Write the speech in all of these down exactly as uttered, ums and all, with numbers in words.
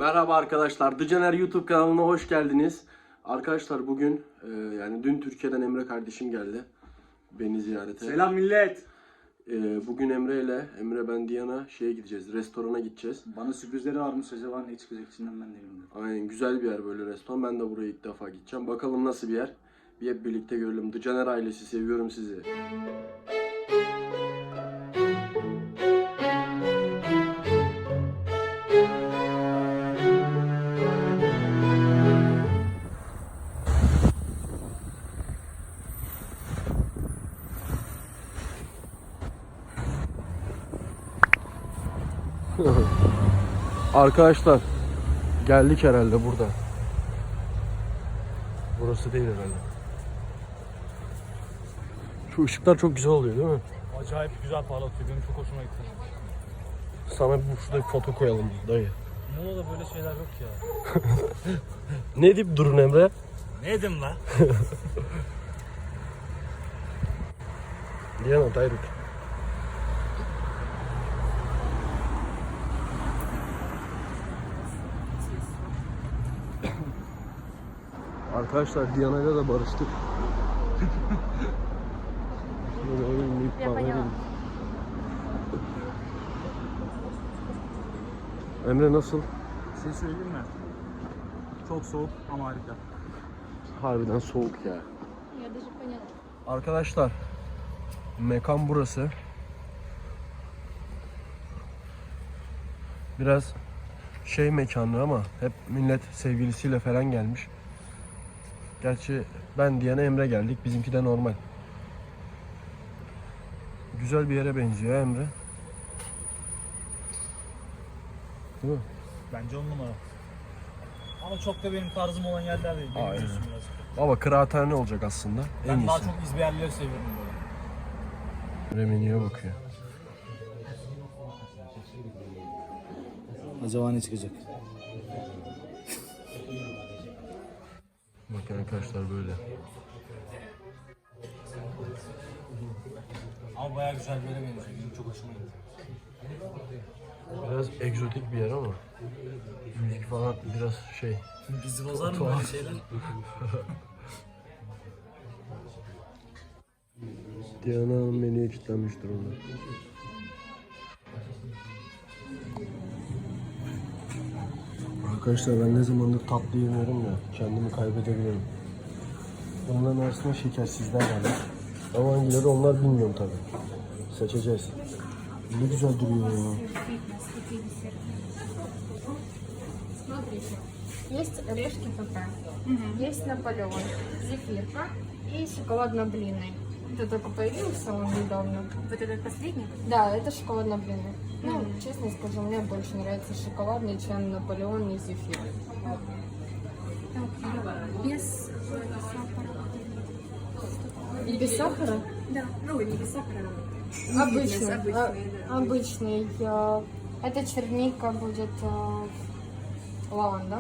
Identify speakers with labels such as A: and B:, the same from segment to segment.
A: Merhaba arkadaşlar, Dıcaner YouTube kanalına hoş geldiniz. Arkadaşlar bugün, e, yani dün Türkiye'den Emre kardeşim geldi beni ziyarete.
B: Selam millet.
A: E, bugün Emre ile, Emre ben Diana şeye gideceğiz, restorana gideceğiz.
B: Bana sürprizleri varmış, acaba ne çıkacak içinden ben de bilmiyorum.
A: Aynen, güzel bir yer böyle restoran. Ben de buraya ilk defa gideceğim. Bakalım nasıl bir yer. Bir hep birlikte görelim. Dıcaner ailesi, seviyorum sizi. Arkadaşlar geldik herhalde burada. Burası değil herhalde. Şu ışıklar çok güzel oluyor değil mi?
B: Acayip güzel parlatıyor, benim çok hoşuma gitti.
A: Sana bir şurada bir foto koyalım dayı.
B: Muğla'da böyle şeyler yok ya.
A: Ne deyip durun Emre?
B: Ne dedim lan?
A: Diana dayılık. Arkadaşlar Diana'yla da barıştık. Böyle oynayıp bağlayalım. Emre nasıl?
B: Bir şey söyleyeyim mi? Çok soğuk ama harika.
A: Harbiden soğuk ya. Arkadaşlar mekan burası. Biraz şey mekanı ama hep millet sevgilisiyle falan gelmiş. Gerçi ben Diana Emre geldik. Bizimki de normal. Güzel bir yere benziyor Emre. Değil mi?
B: Bence on numara. Ama çok da benim tarzım olan yerler değil.
A: Aynen.
B: Biraz.
A: Baba kıraathane olacak aslında. En
B: Ben
A: iyisi.
B: daha çok izbe yerleri seviyorum böyle.
A: Emre menüye bakıyor.
B: Acaba ne çıkacak?
A: Bakın arkadaşlar böyle.
B: Ama bayağı güzel bir yere benziyor. Benim çok hoşuma gitti.
A: Biraz egzotik bir yer ama müzik falan biraz şey.
B: Bizi bozar mı böyle şeyler?
A: Diana Hanım menüye kilitlenmiş durumda. Arkadaşlar ben ne zamandır tatlı yemiyorum ya, kendimi kaybedebilirim. Onların arasında şekersizler var. Ama hangileri onlar bilmiyorum tabi. Seçeceğiz. Ne güzel duruyor ya.
C: Смотрите, есть орешки ПП, есть Наполеон, зефирка и шоколадно-блинный. Это только появился он недавно.
D: Вот этот последний?
C: Да, это шоколадно-блинный. Ну, честно скажу, мне больше нравится шоколадный, чем Наполеон и зефир.
D: Без сахара.
C: И без сахара?
D: Да, ну не без сахара.
C: Обычный.
D: Обычный,
C: а-
D: да.
C: обычный. а, Это черника будет а, лаванда.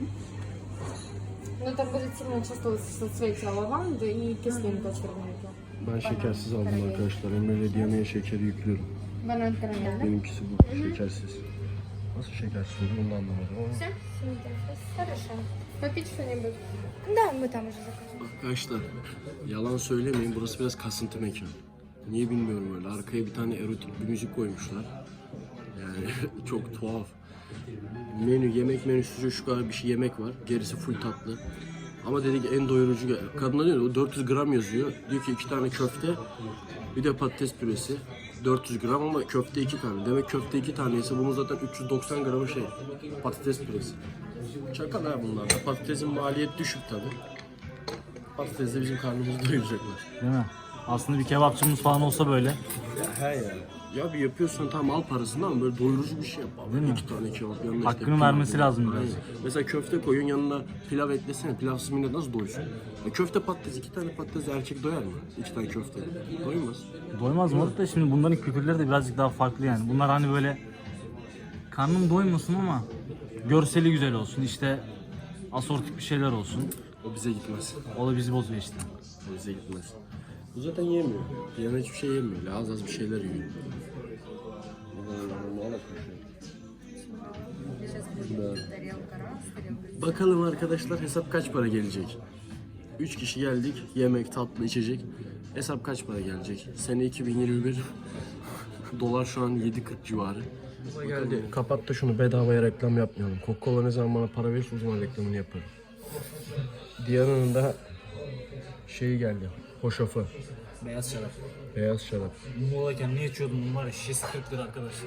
C: Но это будет сильно чувствоваться соцветие лаванды и кислинка черники.
A: Ben şekersiz aldım arkadaşlar. Emre ile Diana'ya şekeri yüklüyorum.
C: Банан карамель, да?
A: Benimkisi bu, şekersiz. Nasıl şekersiz oldu onu da anlamadım ama.
C: Все? Хорошо. Попить что-нибудь?
D: Да, мы там уже заказывали.
A: Arkadaşlar yalan söylemeyin, burası biraz kasıntı mekan. Niye bilmiyorum öyle. Arkaya bir tane erotik bir müzik koymuşlar. Yani çok tuhaf. Menü, yemek menüsü şu kadar bir şey yemek var. Gerisi full tatlı. Ama dedi ki en doyurucu. Kadına diyor o dört yüz gram yazıyor. Diyor ki iki tane köfte, bir de patates püresi. dört yüz gram ama köfte iki tane. Demek köfte iki taneyse bunun zaten üç yüz doksan gramı şey. Patates püresi. Çakal ha bunlar da. Patatesin maliyet düşük tabi. Patates de bizim karnımızı doyuracaklar.
B: Değil mi? Aslında bir kebapçımız falan olsa böyle.
A: Ya he ya. Ya bir yapıyorsan tam al parasını ama böyle doyurucu bir şey yap abi.
B: Değil mi?
A: İki tane kebap yanında
B: Hakkını
A: pilav
B: vermesi
A: koyuyor.
B: lazım biraz.
A: Aynen. Mesela köfte koyun yanına pilav eklesene. Pilavsız millet nasıl doysun? Ya köfte patates, iki tane patates erkek doyar mı? İki tane köfte. Doymaz.
B: Doymaz mı? Da şimdi bunların kültürleri de birazcık daha farklı yani. Bunlar hani böyle karnım doymasın ama görseli güzel olsun. İşte asortik bir şeyler olsun.
A: O bize gitmez.
B: O da bizi bozuyor işte.
A: O bize gitmez. Bu zaten yemiyor. Diana hiçbir şey yemiyor. Az az bir şeyler yiyor.
D: Сейчас
A: Bakalım arkadaşlar hesap kaç para gelecek? üç kişi geldik. Yemek, tatlı, içecek. Hesap kaç para gelecek? Sene iki bin yirmi bir. Dolar şu an yedi kırk civarı. Geldi. Kapat da şunu, bedavaya reklam yapmayalım. Coca-Cola ne zaman bana para verirse o zaman reklamını yaparım. Diyana'nın da şeyi geldi. Hoşafı.
B: Beyaz şarap.
A: Beyaz şarap.
B: Muğla'yken ne içiyordum bunun var ya, şişesi kırk lira arkadaşlar.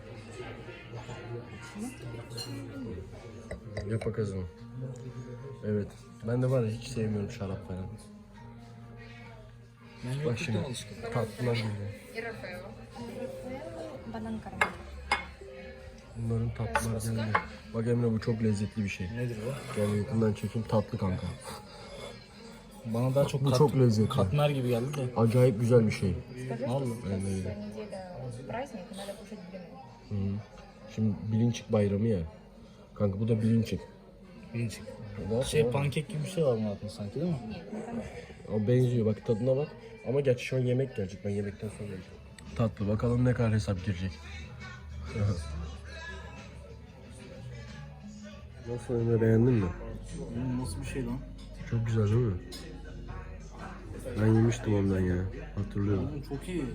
A: Yapa kızım. Evet. Ben de var ya hiç sevmiyorum şarap falan.
B: Ben
A: Bak şimdi
B: yokluktan alışkın.
A: tatlılar geliyor.
C: И Рафаэлло.
D: Банан карамель.
A: Bunların tatlılar geldi. Bak Emre, bu çok lezzetli bir şey.
B: Nedir bu?
A: Gel yakından çekeyim, tatlı kanka.
B: Bana daha çok
A: Bu
B: kat,
A: çok lezzetli.
B: katmer gibi geldi de.
A: Acayip güzel bir şey.
C: Скажи,
B: Vallahi.
C: что
A: Ben de
C: следующая
A: öyle.
C: неделя праздник, и надо кушать блины.
A: Hı. Şimdi bilinçik bayramı ya. Kanka bu da bilinçik.
B: Bilinç.
A: Daha
B: Şey
A: sonra-
B: pankek gibi bir şey var bunun altında sanki, değil mi?
A: O benziyor, bak tadına bak. Ama gerçi şu an yemek gelecek. Ben yemekten sonra yiyeceğim. Tatlı, bakalım ne kadar hesap girecek. Nasıl Emre, beğendin mi?
B: Hmm, nasıl bir şey lan?
A: Çok güzel değil mi? Ben yemiştim ondan ya. Hatırlıyorum.
B: Oğlum çok iyi.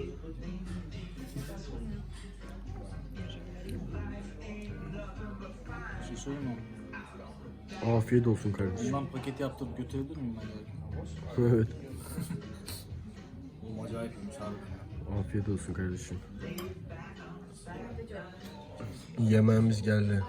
B: Bir şey söyleyeyim mi?
A: Afiyet olsun kardeşim.
B: Bundan paket yaptırıp götürebilir miyim ben belki?
A: Evet.
B: Oğlum acayip iyiymiş abi.
A: Afiyet olsun kardeşim. Yemeğimiz geldi.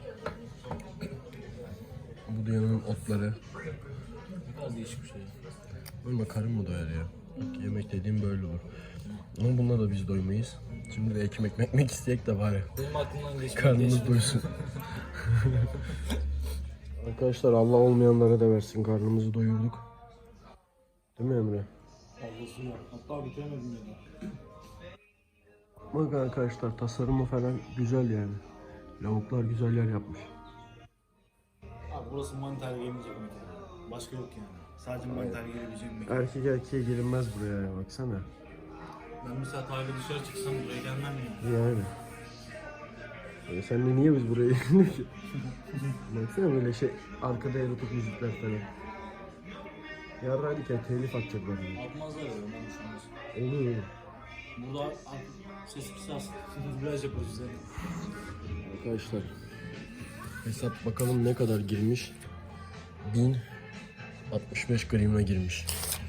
A: Bu da yanının otları.
B: Ne kadar değişik bir şey.
A: Ölme, karın mı doyar ya? Bak, yemek dediğim böyle olur. Ama bununla da biz doymayız. Şimdi de ekmek mekmek isteyek de bari.
B: Benim aklımdan geçti.
A: Karnımız doysun. Arkadaşlar Allah olmayanlara da versin. Karnımızı doyurduk. Değil mi Emre?
B: Fazlası var. Hatta bitiremedim ya.
A: Bak arkadaşlar, tasarımı falan güzel yani. Lavuklar güzel yer yapmış.
B: Abi burası mantar yemeyecek mekan. Başka yok yani. Sadece mantar yiyebileceğim mekan.
A: Erkek erkeğe girilmez buraya ya, baksana.
B: Ben mesela Tayla dışarı çıksam buraya gelmem yani.
A: Yani. E sen de niye biz buraya geldik ki? Baksana böyle şey, arkada erotik müzikler falan. Yarraydık ya, telif atacaklar bunu.
B: Atmazlar ya ondan düşünmez.
A: Oluyor.
B: Burada ses kısas. Dublaj yaparız bize.
A: Arkadaşlar hesap bakalım ne kadar girmiş. bin altmış beş gramına girmiş.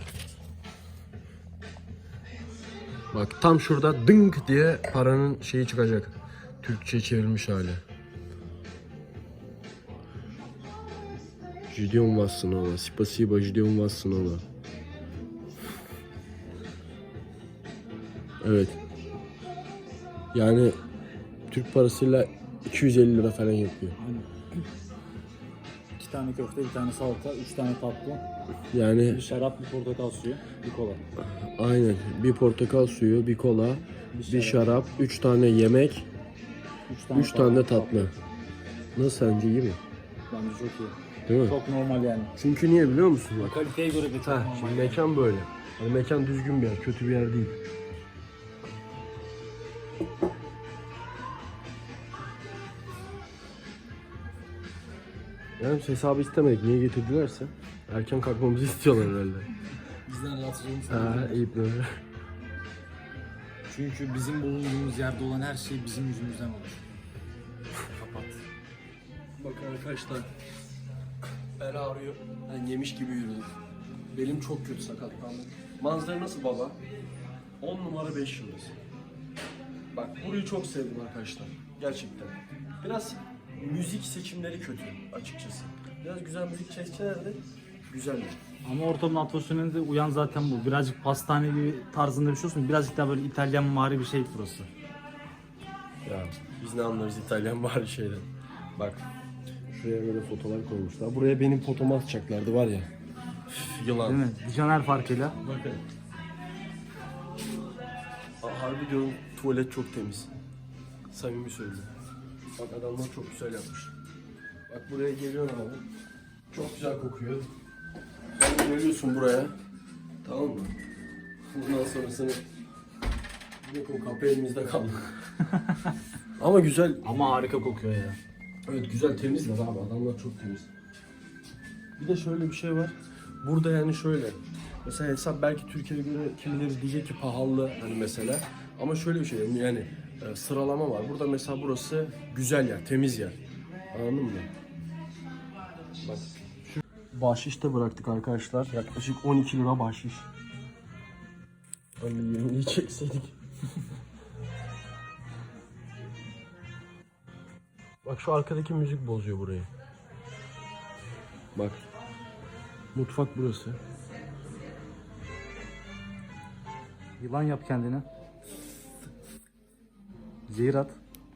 A: Bak tam şurada dınk diye paranın şeyi çıkacak. Türkçe çevrilmiş hali. Ждем вас снова. Спасибо, ждем вас снова. Evet. Yani Türk parasıyla iki yüz elli lira falan yapıyor.
B: Aynen. İki tane köfte, bir tane salata, üç tane tatlı,
A: Yani
B: bir şarap, bir portakal suyu, bir kola.
A: aynen, bir portakal suyu, bir kola, bir şarap, üç tane yemek,
B: Üç tane,
A: üç tane de tatlı. Nasıl, sence iyi mi?
B: Bence çok iyi.
A: Değil mi?
B: Çok normal yani.
A: Çünkü niye biliyor musun bak?
B: Kaliteye göre de çok
A: Ha,
B: normal.
A: şimdi mekan böyle. Hani mekan düzgün bir yer, kötü bir yer değil. Yani hesabı istemedik. Niye getirdilerse? Erken kalkmamızı istiyorlar herhalde.
B: Bizden rahatsız olmuş.
A: Ha, iyi böyle.
B: Çünkü bizim bulunduğumuz yerde olan her şey bizim yüzümüzden olur. Kapat.
A: Bakın arkadaşlar, bel ağrıyor. Ben yemiş gibi yürüdüm. Belim çok kötü, sakatlandım. Manzara nasıl baba? on numara beş yıldız. Bak burayı çok sevdim arkadaşlar. Gerçekten. Biraz müzik seçimleri kötü açıkçası. Biraz güzel müzik çekselerdi güzeldi.
B: Ama ortamın atmosferine de uyan zaten bu. Birazcık pastane gibi tarzında bir şey olsun. Birazcık daha böyle İtalyan mari bir şey burası.
A: Ya biz ne anlarız İtalyan bari şeyden. Bak şuraya böyle fotolar koymuşlar. Buraya benim fotomu atacaklardı var ya. Üf, yılan.
B: Değil mi? Caner farkıyla.
A: Bakın. Aa, harbi diyorum, tuvalet çok temiz. Samimi söylüyorum. Bak adamlar çok güzel yapmış. Bak buraya geliyorsun abi. Çok güzel kokuyor. Sen geliyorsun buraya. Tamam mı? Bundan sonrasını... Yok, o kapı elimizde kaldı. Ama güzel.
B: Ama harika kokuyor ya.
A: Evet güzel temizler abi, adamlar çok temiz. Bir de şöyle bir şey var. Burada yani şöyle. Mesela hesap belki Türkiye'ye göre kimileri diyecek ki pahalı hani mesela. Ama şöyle bir şey yani e, sıralama var. Burada mesela burası güzel yer, temiz yer. Anladın mı? Bak şu bahşiş de bıraktık arkadaşlar. Yaklaşık on iki lira bahşiş. Hani yirmiyi çekseydik. Bak şu arkadaki müzik bozuyor burayı. Bak. Mutfak burası.
B: Yılan yap kendine. Zehir at.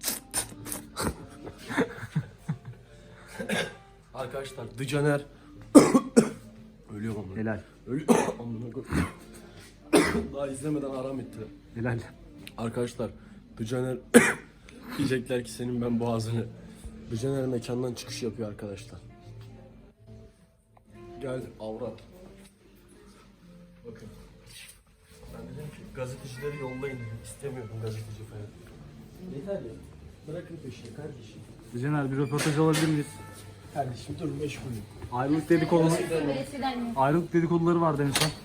A: Arkadaşlar Dıcaner ölüyor ama.
B: Helal.
A: Ölüyor. Amına koyayım. Daha izlemeden aram etti.
B: Helal.
A: Arkadaşlar Dıcaner diyecekler ki senin ben boğazını. Dıcaner mekandan çıkış yapıyor arkadaşlar. Geldi avrat. Bakın. Ben dedim ki gazetecileri yollayın dedim. İstemiyorum gazeteci falan. Yeter ya. Bırakın peşini kardeşim.
B: Caner bir röportaj alabilir miyiz?
A: Kardeşim dur meşgulüm.
B: Ayrılık dedikoduları, ayrılık dedikoduları vardı en son.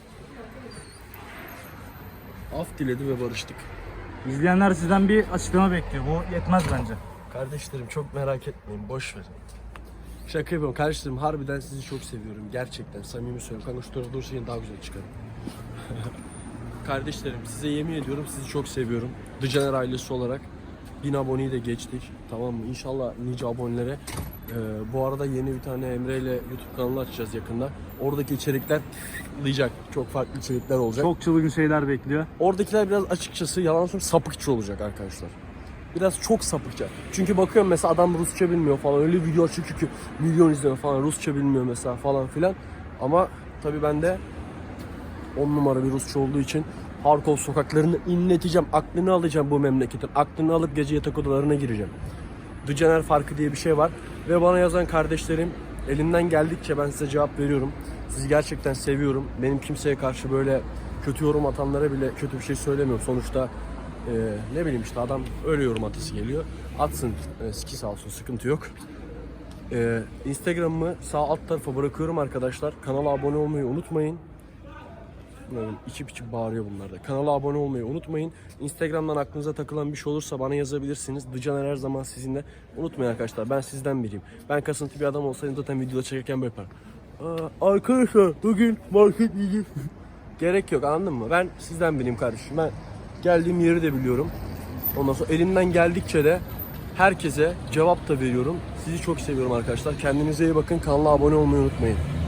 A: Af diledi ve barıştık.
B: İzleyenler sizden bir açıklama bekliyor. Bu yetmez bence.
A: Kardeşlerim çok merak etmeyin, boş verin. Şaka yapıyorum kardeşlerim, harbiden sizi çok seviyorum. Gerçekten samimi söylüyorum. Kanka şu tarafa durursa yine daha güzel çıkarım. Kardeşlerim size yemin ediyorum sizi çok seviyorum. Dıcaner ailesi olarak bin aboneyi de geçtik. Tamam mı? İnşallah nice abonelere. Ee, bu arada yeni bir tane Emre ile YouTube kanalı açacağız yakında. Oradaki içerikler tıklayacak. Çok farklı içerikler olacak.
B: Çok çılgın şeyler bekliyor.
A: Oradakiler biraz açıkçası yalan söyleyeyim sapıkçı olacak arkadaşlar. Biraz çok sapıkça. Çünkü bakıyorum mesela adam Rusça bilmiyor falan. Öyle video açık ki milyon izleme falan. Rusça bilmiyor mesela falan filan. Ama tabii ben de on numara bir Rusça olduğu için Harkov sokaklarını inleteceğim. Aklını alacağım bu memleketin. Aklını alıp gece yatak odalarına gireceğim. Dıcaner farkı diye bir şey var. Ve bana yazan kardeşlerim elimden geldikçe ben size cevap veriyorum. Sizi gerçekten seviyorum. Benim kimseye karşı böyle kötü yorum atanlara bile kötü bir şey söylemiyorum. Sonuçta e, ne bileyim işte adam öyle yorum atası geliyor. Atsın. E, siki sağ olsun, sıkıntı yok. E, Instagram'ımı sağ alt tarafa bırakıyorum arkadaşlar. Kanala abone olmayı unutmayın. Böyle içip içip bağırıyor bunlar da. Kanala abone olmayı unutmayın. Instagram'dan aklınıza takılan bir şey olursa bana yazabilirsiniz. Dıcaner her zaman sizinle. Unutmayın arkadaşlar, ben sizden biriyim. Ben kasıntı bir adam olsaydım zaten videoda çekerken böyle yaparım. Aa, arkadaşlar bugün market yiyeceğiz. Gerek yok, anladın mı? Ben sizden biriyim kardeşim. Ben geldiğim yeri de biliyorum. Ondan sonra elimden geldikçe de herkese cevap da veriyorum. Sizi çok seviyorum arkadaşlar. Kendinize iyi bakın. Kanala abone olmayı unutmayın.